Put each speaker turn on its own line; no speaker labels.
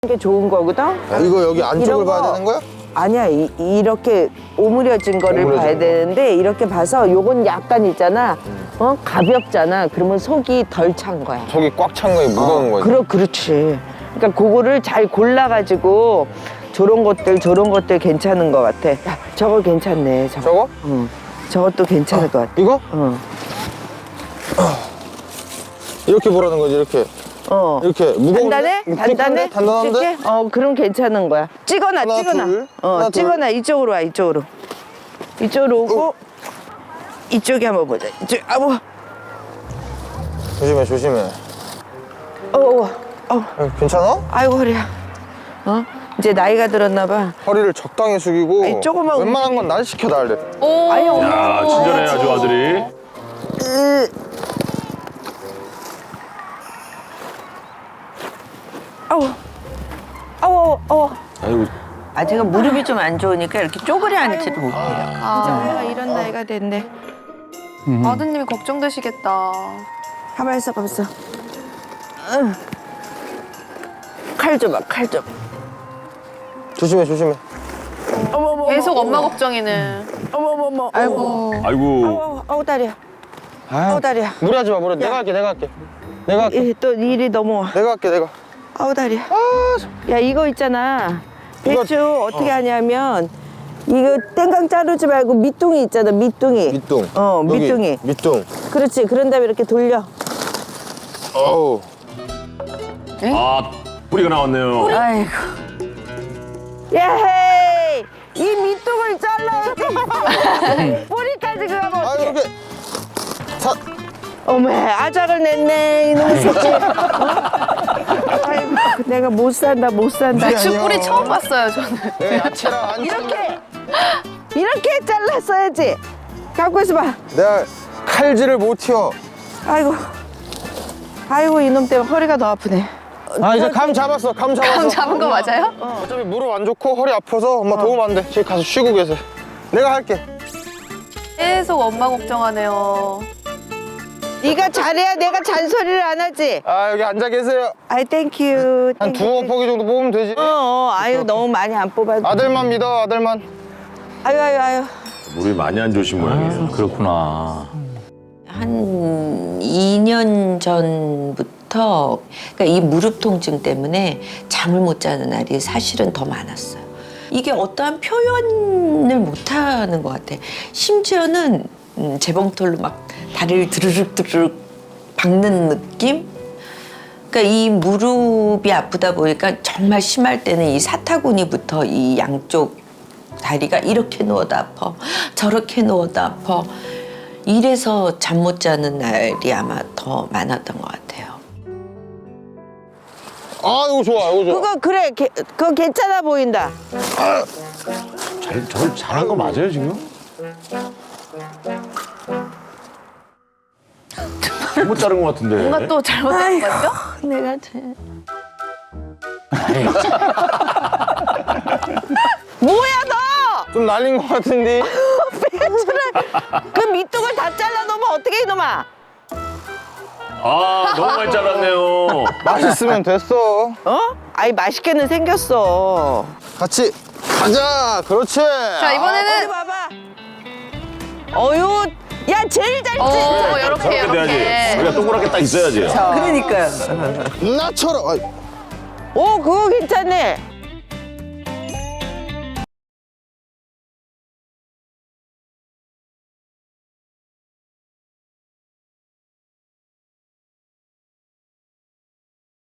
게 좋은 거거든?
아, 이거 여기 안쪽을 봐야 되는 거야?
아니야, 이렇게 오므려진 거를
오므려진
봐야
거.
되는데 이렇게 봐서 요건 약간 있잖아. 가볍잖아. 그러면 속이 덜 찬 거야.
속이 꽉 찬 거에 무거운 거지.
그렇지. 그러니까 그거를 잘 골라가지고 저런 것들 괜찮은 것 같아. 야, 저거 괜찮네.
저거?
응. 저것도 괜찮을 것 같아.
이거?
응.
이렇게 보라는 거지, 이렇게. 이렇게 무거운데?
단단해?
단단한데?
이렇게? 그럼 괜찮은 거야. 찍어놔,
하나,
찍어놔.
둘. 하나, 둘.
찍어놔. 이쪽으로 와, 이쪽으로. 이쪽으로 오고, 이쪽에 한번 보자. 이쪽,
조심해, 조심해. 괜찮아?
아이고, 허리야. 이제 나이가 들었나 봐.
허리를 적당히 숙이고.
아니, 조금만
웬만한 건 날 시켜놔야 돼.
아니,
야, 친절해 아주 아들이. 아이고,
아직은 무릎이 좀 안 좋으니까 이렇게 쪼그려 앉지를 못해요. 내가 이런 나이가 됐네.
아드님이 걱정되시겠다.
가만 있어. 칼 줘봐, 칼 좀.
조심해, 조심해.
계속 엄마 걱정이네.
아이고.
아이고.
아우, 다리야. 아우, 다리야.
무리하지 마, 무리하지 마. 내가 할게, 내가 할게. 내가 할게.
또 일이 넘어와.
내가 할게, 내가.
아우, 다리야. 야, 이거 있잖아. 배추 어떻게 하냐면, 이거 땡강 자르지 말고 밑둥이 있잖아, 밑둥이.
밑둥.
여기,
밑둥이. 밑둥.
그렇지. 그런 다음에 이렇게 돌려.
어우.
아, 뿌리가 나왔네요.
아이고. 예헤이! 이 밑둥을 잘라야지. 뿌리까지 그거면
아,
어떡해.
이렇게.
어메, 아작을 냈네, 이놈의 새끼. 아이고, 내가 못 산다.
배추 뿌리 처음 봤어요, 저는.
내 야채랑 안
이렇게 잘랐어야지. 갖고 있어봐.
내가 칼질을 못 튀어.
아이고, 이놈 때문에 허리가 더 아프네.
아, 이제 감 잡았어, 감 잡았어.
감 잡은 거 맞아요?
어차피 무릎 안 좋고 허리 아파서 엄마 도움 안 돼. 지금 가서 쉬고 계세요. 내가 할게.
계속 엄마 걱정하네요.
네가 잘해야 내가 잔소리를 안 하지.
아, 여기 앉아 계세요.
아이, 땡큐.
한 두어 포기 정도 뽑으면 되지.
아유, 너무 많이 안 뽑아도.
아들만 믿어, 아들만.
아유.
물이 많이 안 좋으신 모양이에요.
그렇구나.
한 2년 전부터 그러니까 이 무릎 통증 때문에 잠을 못 자는 날이 사실은 더 많았어요. 이게 어떠한 표현을 못 하는 것 같아. 심지어는 재봉틀로 막 다리를 드르륵 박는 느낌? 그러니까 이 무릎이 아프다 보니까 정말 심할 때는 이 사타구니부터 이 양쪽 다리가 이렇게 누워도 아파, 저렇게 누워도 아파. 이래서 잠 못 자는 날이 아마 더 많았던 것 같아요.
아, 이거 좋아, 이거 좋아.
그거 그래. 그거 괜찮아 보인다.
저를 잘한 거 맞아요, 지금? 잘못 자른 것 같은데.
뭔가 또 잘못된 거 같죠?
내가 뭐야 너?
좀 날린 것 같은데.
그 밑둥을 다 잘라 놓으면 어떻게 이놈아?
아, 너무 많이 잘랐네요.
맛있으면 됐어.
아이, 맛있게는 생겼어.
같이 가자. 그렇지.
자,
어디
이번에는
봐봐. 어유, 야, 제일 잘
이렇게
저렇게 돼야지.
이렇게.
우리가 동그랗게 딱 있어야지.
그러니까요.
나처럼. 아이,
오, 그거 괜찮네.